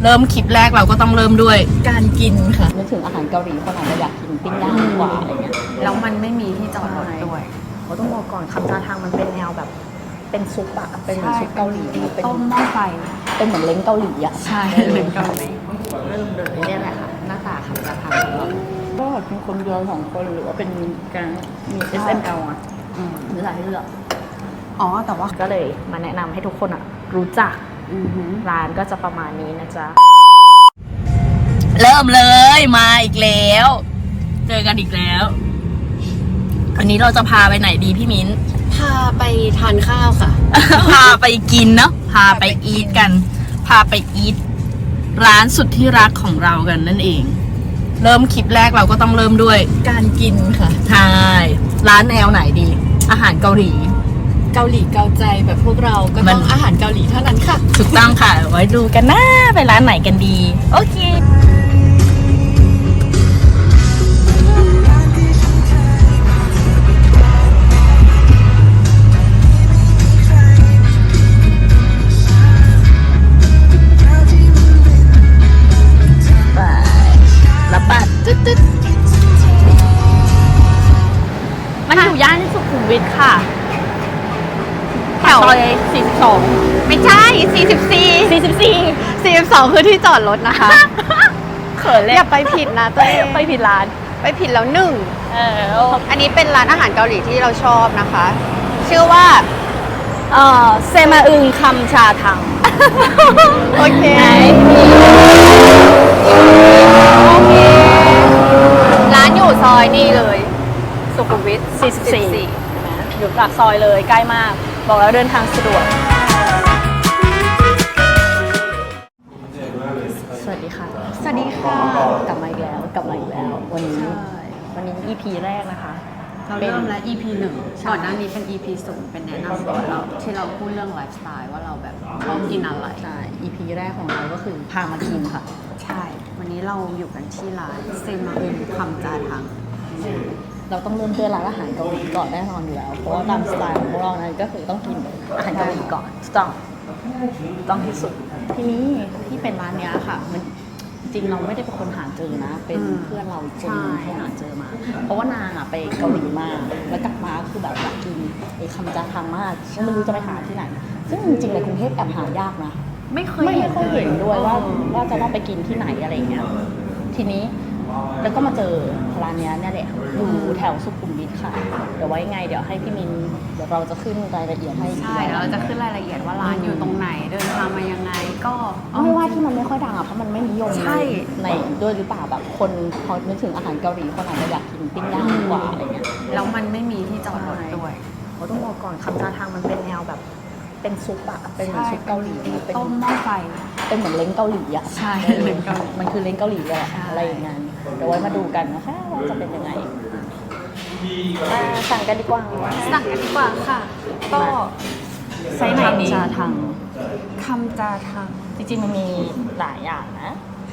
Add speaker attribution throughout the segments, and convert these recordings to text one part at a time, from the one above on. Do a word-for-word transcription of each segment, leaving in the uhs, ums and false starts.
Speaker 1: เริ่มคลิปแรกเราก็ต้องเริ่มด้วยการกินค่ะ
Speaker 2: นึกถึงอาหารเกาหลีคนอาจจะอยากกินปิ้งย่างกว่าอะไรเงี้ย
Speaker 3: แล้วมันไม่มีที่จอดรถด้วย
Speaker 2: เขาต้องบอกก่อนคำจาทางมันเป็นแนวแบบเป็นซุปอะเป็นเหมือนซุปเกาหลีเป็น
Speaker 3: ต้มหม้อไฟ
Speaker 2: เป็นเหมือนเล้งเกาหลีอะ
Speaker 3: ใช่เล้งเกาหลี
Speaker 2: เริ่มเลยเนี่ยแหละค่ะหน้าตาคำจาทางของเราก็เป็นคนเดียวสองคนหรือว่าเป็นการมี เอส เอ็ม แอล อะหรืออะไรที่เลือก
Speaker 3: อ๋อแต่ว่า
Speaker 2: ก็เลยมาแนะนำให้ทุกคนอะรู้จักร้านก็จะประมาณนี้นะจ๊ะ
Speaker 1: เริ่มเลยมาอีกแล้วเจอกันอีกแล้ววันนี้เราจะพาไปไหนดีพี่มิ้น
Speaker 3: พาไปทานข้าวค่ะ
Speaker 1: พาไปกินเนาะพาไปอีทกันพาไปอีทร้านสุดที่รักของเรากันนั่นเองเริ่มคลิปแรกเราก็ต้องเริ่มด้วยการกินค่ะใช่ร้านแนวไหนดี อาหารเกาหลี
Speaker 3: เกาหลีเกาใจแบบพวกเราก็ต้องอาหารเกาหลีเท่านั้นค่ะ
Speaker 1: ถูกต้องค่ะไว้ดูกันนะไปร้านไหนกันดีโอเค
Speaker 2: มันอยู่ย่านสุขุมวิทค่ะแถวซอยสี่สิบสอง
Speaker 3: ไม่ใช่สี่สิบสี่
Speaker 2: สี่สิบสี่
Speaker 3: สี่สิบสองคือที่จอดรถนะคะ
Speaker 2: เขินเลย
Speaker 3: อย่าไปผิดนะตัวเอง
Speaker 2: ไปผิดร้าน
Speaker 3: ไปผิดแล้วหนึ่ง
Speaker 2: เออ
Speaker 3: อันนี้เป็นร้านอาหารเกาหลีที่เราชอบนะคะชื่อว่า
Speaker 2: เออเซมาอึงคำชาทัง
Speaker 3: โอเคโอเคร้านอยู่ซอยนี่เลยสุขุมวิท
Speaker 2: สี่สิบสี่อยู่ปากซอยเลยใกล้มากบอกแล้วเดินทางสะดวกสวัสดีค่ะ
Speaker 3: สวัสดีค่ะ
Speaker 2: กลับมาอีกแล้วกลับมาอีกแล้ววันนี้วันนี้ อี พี แรกนะคะ
Speaker 3: เราเริ่มแล้ว อี พี หนึ่งก่อนหน้านี้เป็น อี พี ศูนย์เป็นแนะนำตัวเราที่เราพูดเรื่องไลฟ์สไตล์ว่าเราแบบชอบกินอะไร
Speaker 2: ใช่ อี พี แรกของเราก็คือพามากินค่ะ
Speaker 3: ใช่วันนี้เราอยู่กันที่ร้านเซมาอึนคำจาทัง
Speaker 2: เราต้องเริ่มด้วยร้านอาหารเกาหลีก่อนแน่นอนอยู่แล้วเพราะว่าตามสไตล์ของพวกเรานั้นก็คือต้องกินอาหารเกาหลีก่อนต้องต้องที่สุดทีนี้ที่เป็นร้านนี้ค่ะมันจริงเราไม่ได้เป็นคนหาเจอนะเป็นเพื่อนเราคนนึงที่หาเจอมาเพราะว่านางอ่ะไปเกาหลีมาแล้วกลับมาคือแบบอยากกินไอ้คำจาทังมากไม่รู้จะไปหาที่ไหนซึ่งจริงๆในกรุงเทพแอบหายากนะ
Speaker 3: ไม่เคย
Speaker 2: ไม่ค่อยเห็นด้วยว่าว่าจะต้องไปกินที่ไหนอะไรเงี้ยทีนี้แล้วก็มาเจอร้านนี้เนี่ยแหละอยู่แถวสุขุมวิทค่ะเดี๋ยวไว้ไงเดี๋ยวให้พี่มินเดี๋ยวเราจะขึ้นรายละเอียดให้
Speaker 3: ใช่เดี๋ยวเราจะขึ้นรายละเอียดว่าร้านอยู่ตรงไหนเดินทางมายังไงก็
Speaker 2: ไม่ว่าที่มันไม่ค่อยดังอ่ะเพราะมันไม่นิยมใช่ในด้วยหรือเปล่าแบบคนพอนึกถึงอาหารเกาหลีคนอาจจะอยากกินปิ้งย่างกว่าอะไรเงี้ย
Speaker 3: แล้วมันไม่มีที่จอดรถด้วย
Speaker 2: เขาต้องบอกก่อนคำจาทางมันเป็นแนวแบบเป็นซุปอะเป็นเหมือนซุปเกาหลี
Speaker 3: ต้มหม้อไฟ
Speaker 2: เป็นเหมือนเล้งเกาหลีอะ
Speaker 3: ใช่เล้งเกาหลี
Speaker 2: มันคือเล้งเกาหลีเลยอะไรอย่างเงี้ยเดี๋ยวไว้มาดูกันนะคะว่าจะเป็นยังไงสั่งกันดีกว่า
Speaker 3: สั่งกันดีกว่าค่ะก็
Speaker 2: ไซส์ไหนดีคำจาทัง
Speaker 3: คำจาทัง
Speaker 2: จริงๆมันมีหลายอย่างนะ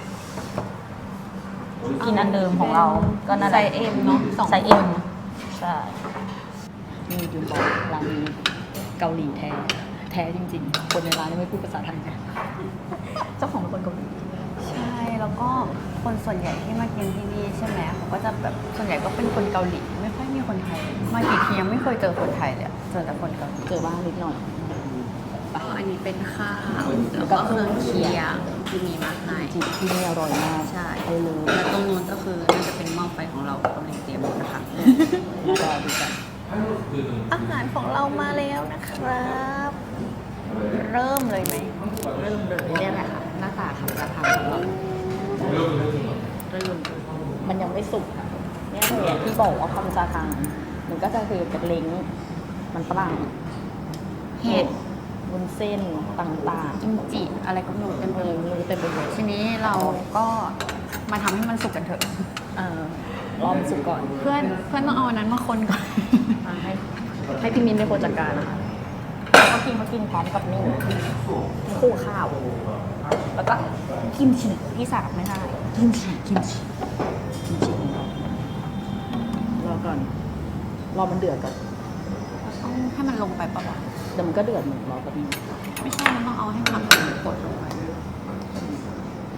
Speaker 2: กินอันเดิมของเราก็น่า
Speaker 3: ไซส์เอ็มเนาะ
Speaker 2: ไซส์เอ็มใช่มียูบอกร้านนี้เกาหลีแท้แท้จริงๆคนในร้านไม่พูดภาษาไทยเจ้าของเป็นคนเกาหลี
Speaker 3: ใช่แล้วก็คนส่วนใหญ่ที่มากินที่นี่ใช่ไหมเขาก็จะแบบส่วนใหญ่ก็เป็นคนเกาหลีไม่ค่อยมีคนไทยมากี่ทียังไม่เคยเจอคนไทยเลยเจอแต่คนเกาหลี
Speaker 2: เจอบ้างนิดหน่อย
Speaker 3: อันนี้เป็นข้าวแล้วก็เครื่องเคียงที่มีมาให้
Speaker 2: ที่นี่อร่อยมาก
Speaker 3: ใช่แล้วตรงนู้นก็คือน่าจะเป็นหม้อไฟของเรากำลังเตรียมนะคะ
Speaker 2: รอดูกัน
Speaker 3: อาหารของเรามาแล้วนะครับเริ่มเลยไหม
Speaker 2: เริ่มเลยเนี่ยแหละค่ะหน้าตาคำจาทังของเราเริ่มมันยังไม่สุกเนี่ยเลยที่บอกว่าคำจาทังมันก็จะคือเป็นเล้งมันฝรั่ง
Speaker 3: เห็ด
Speaker 2: วุ้นเส้นต่าง
Speaker 3: ๆกิมจิอะไรก็มีเต็มเลย
Speaker 2: เต็มไปหมด
Speaker 3: ทีนี้เราก็มาทำให้มันสุกกันเถอะ
Speaker 2: เออรอมันสุกก่อน
Speaker 3: เพื่อนเพื่อนต้องเอาอันนั้นมาคนก่อน
Speaker 2: ให้ให้พี่มินเป็นคนจัดการนะคะเขากินเขากินพร้อมกับนี่คู่ข้าวแล้วก็กิมจิที่สามไม่ได้กิมจิกิมจิกิมจิรอก่อนรอมันเดือดก่อน
Speaker 3: ต้องให้มันลงไปปะวะ
Speaker 2: เดี๋ยวมันก็เดือดเหมือนรอแบบนี้
Speaker 3: ไม่ใช่มันต้องเอาให้ผักกดลงไป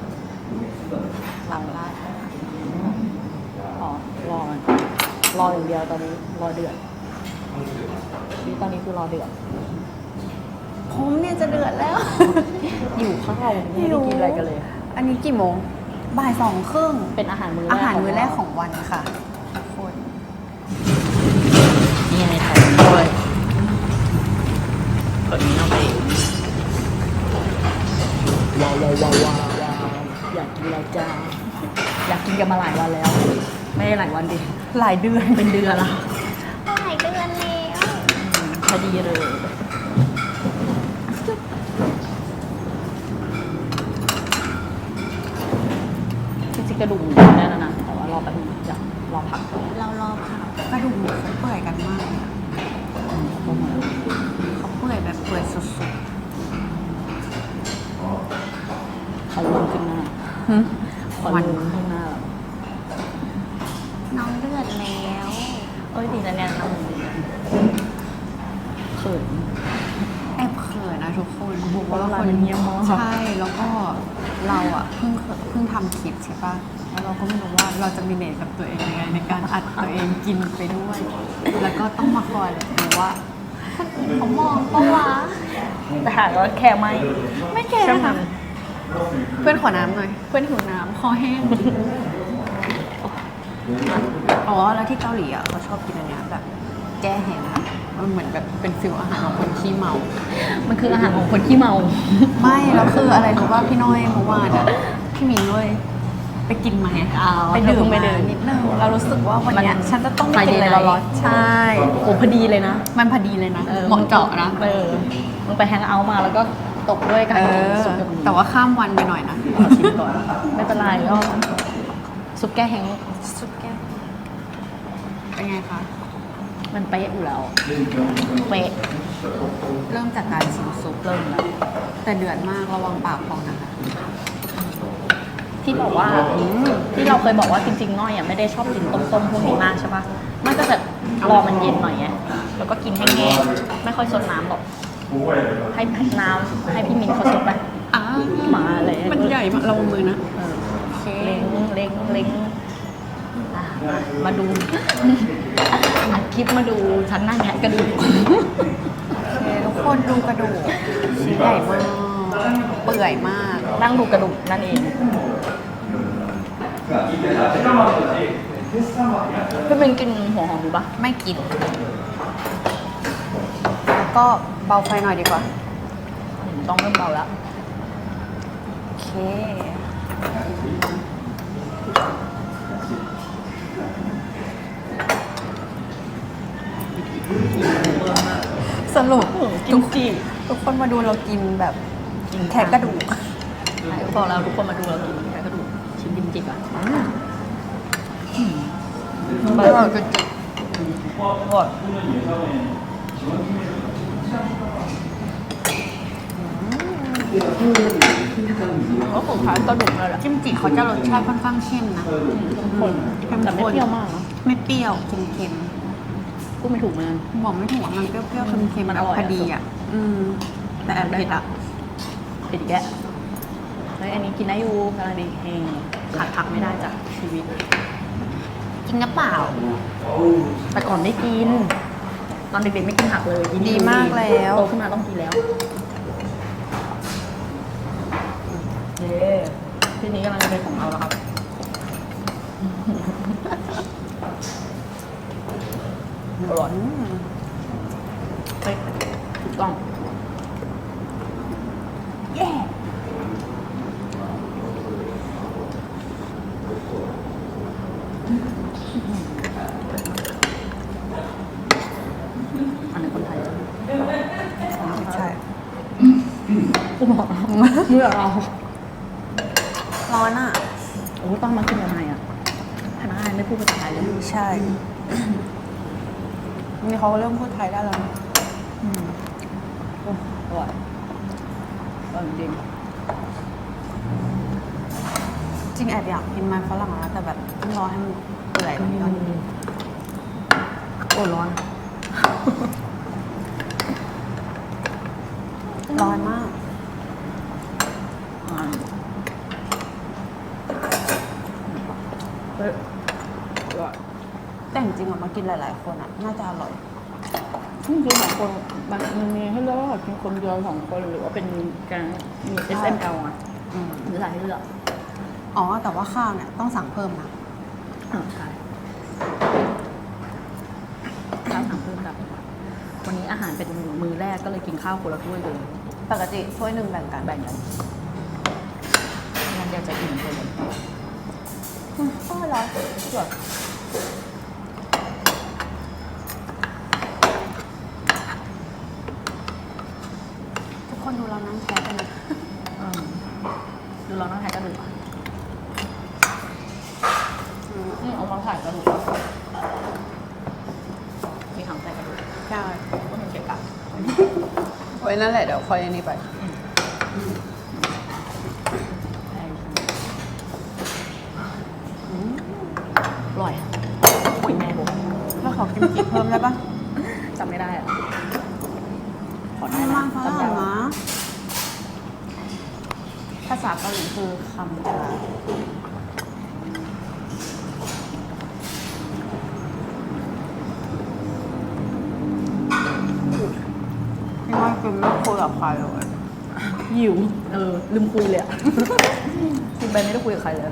Speaker 3: หลังลาด
Speaker 2: อ๋อรอมันรออย่างเดียวตอนนี้รอเดือดนี่ตอนนี้คือรอเดือด
Speaker 3: ผมเนี่ยจะเดือดแล้ว
Speaker 2: อยู่ข้าวไม่ได้กินอะไรกันเลย
Speaker 3: อันนี้กี่โมงบ่ายสองครึ่ง
Speaker 2: เป็นอาหารมื้อแรก
Speaker 3: อาหารมื้อแรกของวันค่ะทุกคน
Speaker 2: นี่ไงไข่ด้วยคนนี้เอาไปว้าวว้าวว้าวว้าวอยากกินแล้วจ้าอยากกินกันมาหลายวันแล้ว ไม่ได้หลายวันดิ
Speaker 3: หลายเดือน
Speaker 2: เป็นเดือนละ
Speaker 3: หลายเดือนแล้ว
Speaker 2: พอดีเลยจริงๆกระดูกหมูได้แล้วนะแต่ว่ารอแป๊บนึงเดี๋ยวรอพักก่อน
Speaker 3: เรารอค่ะกระดูกหมูเขาเปื่อยกันมากเลยอะเขาเปื่อยแบบเปื่อยสุด
Speaker 2: ขอลืมขึ้นหน้า
Speaker 3: ๆหึ
Speaker 2: ขอลืมขึ้นหน้าแบบ
Speaker 3: น้องเดือดแล้ว
Speaker 2: เอ้ยดีนะเนี่ยน้ำมันเขิน
Speaker 3: แอบเขินนะทุกคนบอก
Speaker 2: เพราะ
Speaker 3: ว่า
Speaker 2: ว่า
Speaker 3: คน
Speaker 2: มันเงียบมาก
Speaker 3: ใช่แล้วก็เราอ่ะเพิ่งเคยเพิ่งทำคลิปใช่ปะแล้วเราก็ไม่รู้ว่าเราจะมีเนตกับตัวเองยังไงในการอัดตัวเองกินไปด้วย แล้วก็ต้องมาคอยเลยดูว่าคนอื่นเขามองปะวะ
Speaker 2: แต่หากว่าแค่ไม่
Speaker 3: ไม่แก่
Speaker 2: ช่างมั
Speaker 3: ค่ะ
Speaker 2: น
Speaker 3: เพื่อนขอน้ำหน่อยเพื่อนหิวน้ำคอแห้งอ๋อแล้วที่เกาหลีอ่ะเขาชอบกินอันเนี้ยแบบแก้แห้งอะมันเหมือนแบบเป็นฟิลอาหารของคนขี้เมา
Speaker 2: มันคืออาหารของคนที่เมา
Speaker 3: ไม่แล้วคืออะไรรู้ว่าพี่น้อยเมื่อวานอ่ะพี่หมิงเลยไปกินมาไง
Speaker 2: อ๋อ
Speaker 3: ไปดื่ม
Speaker 2: เธอเพิ่งไป
Speaker 3: มา
Speaker 2: ดื่ม
Speaker 3: นิดนึงเรารู้สึกว่าวันเนี้ย
Speaker 2: มัน
Speaker 3: ฉันจะต้องไปกินอะไร
Speaker 2: Friday night
Speaker 3: ร้อนๆใช่
Speaker 2: โอ้พอดีเลยนะ
Speaker 3: มันพอดีเลยนะเหมาะเจาะนะ
Speaker 2: เออมึงไปแฮงเอาท์มาแล้วก็ตกด้วยการ
Speaker 3: เอ
Speaker 2: กิน
Speaker 3: อ
Speaker 2: ซุปกับหมู
Speaker 3: แต่ว่าข้ามวันไปหน่อยนะ
Speaker 2: ขอชิมก่อน ไม่เป็นไรก็ซุปแก้แห้ง
Speaker 3: ซุปแก้วเป็นไงคะ
Speaker 2: มันเป๊ะอยู่แล้ว เป๊ะ
Speaker 3: เริ่มจากการชิมซุป
Speaker 2: เริ่มแล้ว
Speaker 3: แต่เดือดมากระวังปากพองนะคะ
Speaker 2: ที่บอกว่าที่เราเคยบอกว่าจริงๆน้อยอ่ะไม่ได้ชอบกินต้มๆพวกนี้มากใช่ปะมันก็จะรอมันเย็นหน่อยไงแล้วก็กินแห้งๆไม่ค่อยซดน้ำหรอกให้ให้น้ำให้พี่มินเขาซดไป
Speaker 3: อ้า
Speaker 2: มาเลย
Speaker 3: มันใหญ่มากระวังมือนะ
Speaker 2: เออ
Speaker 3: โอเค
Speaker 2: เล้งเล้งเล้งอ่ะมาดูอัดคลิปมาดูฉันนั่งแทะกระดูก
Speaker 3: โอเคทุกคนดูกระดูกชิ้นใหญ่มากเปื่อยมาก
Speaker 2: นั่งดูกระดูกนั่นเองพี่มินกินหัวหอมดูปะ
Speaker 3: ไม่กิน แล้วก็เบาไฟหน่อยดีกว่า
Speaker 2: อืมต้องเริ่มเบาแล้ว
Speaker 3: โอเค สรุป
Speaker 2: กินจี
Speaker 3: ทุกคนมาดูเรากินแบบแทะกระดูก
Speaker 2: ไหนบอกเราทุกคนมาดูเรากินแค่กระดูกชิ้นดิมจิบอ่ะ
Speaker 3: เบอร์จุด
Speaker 2: กดก็ของขายกระดูกเลยแหละ
Speaker 3: จิ้มจิเขาจะรสชาติค่อนข้างเข้มนะ
Speaker 2: คนแต่ไม่เปรี้ยวมากนะ
Speaker 3: ไม่เปรี้ยวเค็ม
Speaker 2: พูดไม่ถูกเหมือนกัน
Speaker 3: ๆบอกไม่ถูกว่ามันเปรี้ยวๆเค็มๆ
Speaker 2: มันอร่อย
Speaker 3: พอดีอ่ะ อืม แต่แอบเผ็ดอ่ะ
Speaker 2: เผ็ดอีกแกเฮ้ยอันนี้กินได้อยู่กำลังดีเองขาดผักไม่ได้จากชีวิต
Speaker 3: กินน้ำเปล่า
Speaker 2: แต่ก่อนไม่กิน ตอนเด็กๆไม่กินผักเลยกิน
Speaker 3: ดีมากแล้ว
Speaker 2: โตขึ้นมาต้องกินแล้วเย้ทีนี้กำลังจะเป็นของเราแล้วครับอร่อย
Speaker 3: อืม
Speaker 2: เฮ้ยถูกต้องเย้ อันนี้คนไทย
Speaker 3: ใช่
Speaker 2: กูบอกเมื่อเรา
Speaker 3: ร้อนอ่ะ
Speaker 2: โอ้ต้องมากินยังไงอ่ะพนักงานไม่พูดภาษาไทยเลย
Speaker 3: ใช่ นี่เขาเริ่มพูดไทยได้แล้วนะ
Speaker 2: อืมโอ้อร่อยอร่อยจริง
Speaker 3: จริงแอบอยากกินมันฝรั่งนะแต่แบบต้องรอให้มันเปื่อยกว่านี้ก่อน
Speaker 2: โอ้ร้อน
Speaker 3: ร้อนมาก
Speaker 2: อ่า
Speaker 3: กินหลาย ๆ คนอ่ะน่าจะอร่อย
Speaker 2: จริงๆสองคนมันมันมีให้เลือกว่ากินคนเดียวสองคนหรือว่าเป็นการมี เอส เอ็ม แอล อ่ะ
Speaker 3: อืม
Speaker 2: หรือหลายให้เลือก
Speaker 3: อ๋อแต่ว่าข้าวเนี่ยต้องสั่งเพิ่มนะ
Speaker 2: อ่าใช่ข้าวสั่งเพิ่มแบบวันนี้อาหารเป็นมื้อแรกก็เลยกินข้าวคนละถ้วยเลย
Speaker 3: ปกติถ้วยหนึ่งแบ่งกัน
Speaker 2: แบ่งกันงั้นเดี๋ยวจะอิ่มไปเลยอืมอร่อยสวย
Speaker 3: ทุกคนดูเรานั่งแชร์กันนะ
Speaker 2: อืมดูเรานั่งถ่ายกระดูกอ่ะนี่เอามาถ่ายกระดูกอ่ะมีถังใส่กระดูก
Speaker 3: ใช่
Speaker 2: ก็เป็นเก็บกะ
Speaker 3: ไว้นั่นแหละเดี๋ยวคอยอันนี้ไป
Speaker 2: อร่อยคุยแม่บอก
Speaker 3: ถ้าขอกิมจิเพิ่มได้ปะ
Speaker 2: จำไม่ได้อะขอได้
Speaker 3: ไม่
Speaker 2: นะ
Speaker 3: มากเพราะ
Speaker 2: จำ
Speaker 3: อะไร
Speaker 2: ได้
Speaker 3: นะ
Speaker 2: ภาษาเกาหลีคือคำจา
Speaker 3: พี่ว่ากินไม่คุยกับใครเลย
Speaker 2: หิว เออ ลืมคุยเลยอะ กินไปไม่ได้คุยกับใครเลย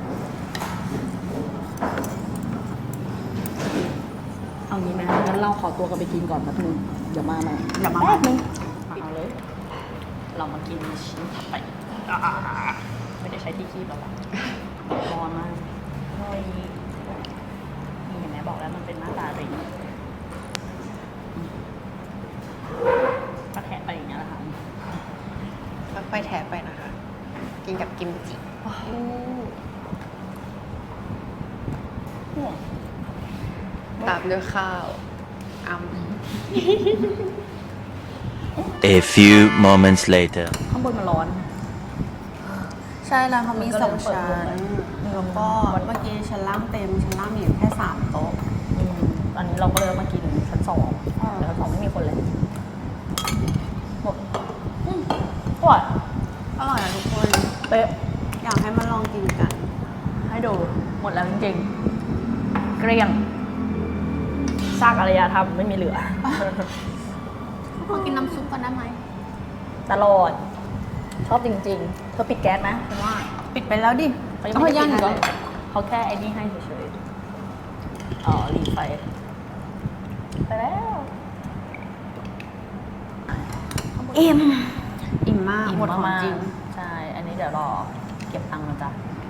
Speaker 2: เอางี้ไหมงั้นเราขอตัวกันไปกินก่อนแป๊บนึงเดี๋ยวมาใหม่
Speaker 3: อย่ามา
Speaker 2: แป๊บนึงเอาเลย เรามากินชิ้นถัดไปอ่าไม่ได้ใช้ที่คีบแล้วล่ะร้อนมากเฮ้ยนี่เห็นไหมบอกแล้วมันเป็นหน้าตาริงก็แทะไปอย่างเงี้ยแหละค่ะ
Speaker 3: ไปแถไปนะคะ กินกับกิมจิ ตามด้วยข้าวอ้ำ
Speaker 4: A few moments later.
Speaker 2: ข้างบนมันร้อน
Speaker 3: ใช่แล้วเขามีสอง
Speaker 2: มันก็เลย
Speaker 3: ชั้น
Speaker 2: เปิด
Speaker 3: แล้วก็เมื่อกี้ชั้นล่างเต็มชั้นล่างมีอยู่แค่สามโต๊ะ
Speaker 2: อืมตอนนี้เราก็เลยมากินชั้นสอง
Speaker 3: อ่า
Speaker 2: แต่ชั้นสองไม่มีคนเลยหมดอืมอร่อย
Speaker 3: อร่อยอะทุกคน
Speaker 2: เป๊ะ
Speaker 3: อยากให้มาลองกินกัน
Speaker 2: ให้ดูหมดแล้วจริงๆเกลี้ยงซากอารยธรรมไม่มีเหลือ
Speaker 3: ขอกินน้ำซุปกันได้ไหม
Speaker 2: ตลอด ชอบจริงๆ เธอปิดแก๊สไหมฉันว่า
Speaker 3: ปิดไปแล้วดิ
Speaker 2: เขายังไม่ได้ปิดให้เลยเขาแค่ไอ้นี่ให้เฉยๆอ๋อรีไฟไปแล้ว
Speaker 3: อิ่มอิ่มมาก
Speaker 2: อิ่ม
Speaker 3: หมดของ
Speaker 2: มาก
Speaker 3: จริง
Speaker 2: ใช่ อันนี้เดี๋ยวรอเก็บตังค์นะจ๊ะ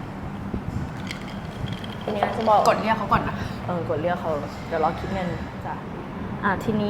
Speaker 2: ทีนี้จะบอก
Speaker 3: กดเรียกเขาก่อนนะ
Speaker 2: เออกดเรียกเขาเดี๋ยวรอคิดเงินจ้ะอ่ะทีนี้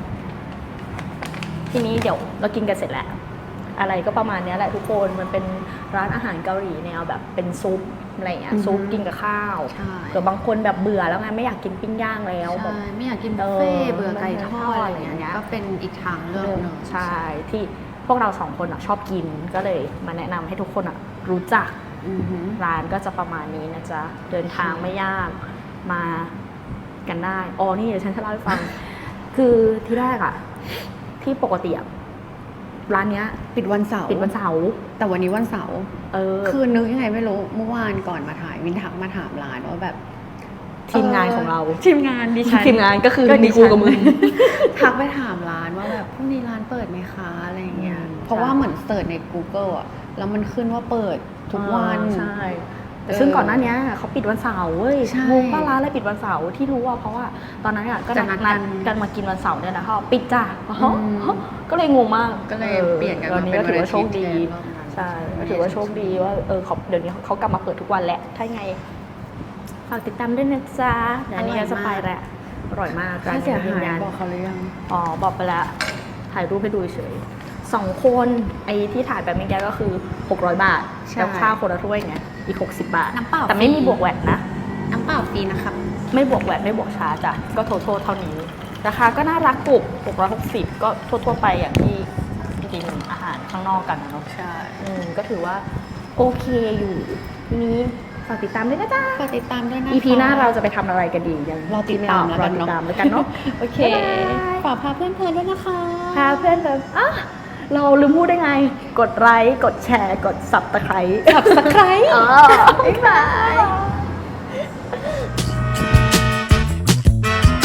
Speaker 2: ทีนี้เดี๋ยวเรากินกันเสร็จแล้ว อะไรก็ประมาณเนี้ยแหละทุกคนมันเป็นร้านอาหารเกาหลีแนวแบบเป็นซุปอะไรอย่างเงี้ย
Speaker 3: อือฮึ
Speaker 2: ซุปกินกับข้าว
Speaker 3: ใช่
Speaker 2: เกิดบางคนแบบเบื่อแล้วไงไม่อยากกินปิ้งย่างแล้วแบบ
Speaker 3: ใช่ไม่อยากกินบุฟเฟ่ต์
Speaker 2: เออ
Speaker 3: เบื่อไก่ทอด
Speaker 2: ไม่
Speaker 3: อะไรอย่างเงี้ยก็เป็นอีกทางเลือกหนึ่ง
Speaker 2: ใช่ที่พวกเราสองคนอ่ะชอบกินก็เลยมาแนะนำให้ทุกคนอ่ะรู้จัก
Speaker 3: อือหือ
Speaker 2: ร้านก็จะประมาณนี้นะจ๊ะเดินทางไม่ยากมากันได้อ๋อนี่เดี๋ยวฉันจะเล่าให้ฟัง คือที่แรกอ่ะ ที่ปกติอ่ะร้านเนี้ย
Speaker 3: ปิดวันเสาร์
Speaker 2: ปิดวันเสาร์
Speaker 3: แต่วันนี้วันเสาร์
Speaker 2: เออ
Speaker 3: คือนึกยังไงไม่รู้เมื่อวานก่อนมาถ่ายวินทักมาถามร้านว่าแบบ
Speaker 2: ทีมงานของเรา
Speaker 3: ทีมงานดิฉัน
Speaker 2: ทีมงานก็คือ
Speaker 3: ก็ดิ
Speaker 2: มีกูกับมึง
Speaker 3: ทักไปถามร้านว่าแบบพรุ่งนี้ร้านเปิดไหมคะอะไรอย่างเงี้ย
Speaker 2: อืม
Speaker 3: เพราะว่าเหมือนเสิร์ชใน Google อ่ะแล้วมันขึ้นว่าเปิดทุกวัน
Speaker 2: อ่าใช่ แต่
Speaker 3: เออ
Speaker 2: ซึ่งก่อนหน้านี้เขาปิดวันเสาร์เว้ย
Speaker 3: ใช่
Speaker 2: งงป้าร้านอะไรปิดวันเสาร์ที่รู้ว่าเพราะว่าตอนนั้นอ่ะก็
Speaker 3: จะ
Speaker 2: นัด
Speaker 3: นัดกั
Speaker 2: นัด
Speaker 3: น
Speaker 2: กันมากินวันเสาร์เนี่ยนะเขาปิดจ้ะ
Speaker 3: อืม
Speaker 2: ก็เลยงงมาก
Speaker 3: ก็เลย
Speaker 2: ออ
Speaker 3: เปลี่ยนกัน
Speaker 2: วั
Speaker 3: มา
Speaker 2: นี้
Speaker 3: เป็น
Speaker 2: ก็ถือว่าโชคดี
Speaker 3: วันอาทิตย์แทนรอบนั้น
Speaker 2: ใช่ก็ถือว่าโชคดีว่าเออเขาเดี๋ยวนี้เขากลับมาเปิดทุกวันแหละถ้ายังไงฝากติดตามด้วยนะจ๊ะเดี๋ยวอันนี้ก็จะไปแหละอร่อยมาก
Speaker 3: ค่าเสีย
Speaker 2: ยืน
Speaker 3: หาย
Speaker 2: ยัน
Speaker 3: บอกเขาหรือยัง
Speaker 2: อ๋อบอกไปแล้วถ่ายรูปให้ดูเฉยสองคนไอ้ที่ถ่ายแบบเมื่อกี้ก็คือหกร้อยบาท
Speaker 3: ใช่
Speaker 2: แล้วค่าคนละถ้วยไงอีกหกสิบบาท
Speaker 3: น้ำเปล่า
Speaker 2: แต่ไม่
Speaker 3: ฟรี
Speaker 2: มีบวกแวตนะ
Speaker 3: น้ำเปล่าฟรีนะครับ
Speaker 2: ไม่บวกแวตไม่บวกชาร์จจ้ะก็โททเท่านี้ ราคาก็น่ารักปลุกหกร้อยหกสิบก็ทั่วๆไปอย่างที่กินอาหารข้างนอกกันนะเนาะ
Speaker 3: ใช่
Speaker 2: อืมก็ถือว่าโอเคอยู่ทีนี้ฝากติดตามด้วยนะจ๊ะ
Speaker 3: ฝากติดตามด้วยนะคะ
Speaker 2: อี พี หน้าเราจะไปทำอะไรกันดียัง
Speaker 3: รอติดตามแล้ว
Speaker 2: ร
Speaker 3: กั
Speaker 2: อน ติด
Speaker 3: เนาะ
Speaker 2: ตามแล้วกันเนาะ
Speaker 3: โอเค
Speaker 2: บ๊ายบาย
Speaker 3: ฝากพาเพื่อนๆด้วยนะคะ
Speaker 2: พาเพื่อนแบบอ่ะเราลืมพูดได้ไง กดไลค์ กดแชร์ กดสับตะไคร้
Speaker 3: สับสไคร
Speaker 2: เออบ๊ายบาย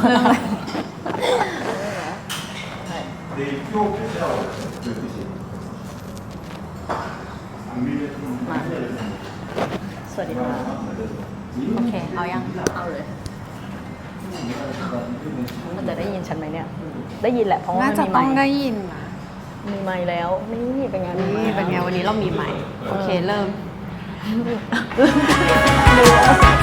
Speaker 3: เรื่องอะไร
Speaker 2: มาสวัสดีค่ะ
Speaker 3: โอเค เอายัง
Speaker 2: เอาเลย มันจะได้ยินฉันไหมเนี่ย ได้ยินแหละเพราะว่า
Speaker 3: น่า
Speaker 2: มัน
Speaker 3: จะ
Speaker 2: มีไม
Speaker 3: ต้อง
Speaker 2: ค์
Speaker 3: ได้ยินนะ
Speaker 2: มีไมค์แล้ว นี่เป็นไงมีไม
Speaker 3: นี่
Speaker 2: ค์
Speaker 3: เป็นไงวันนี้เรามีใหม่ โอเค เริ่ม
Speaker 2: ดู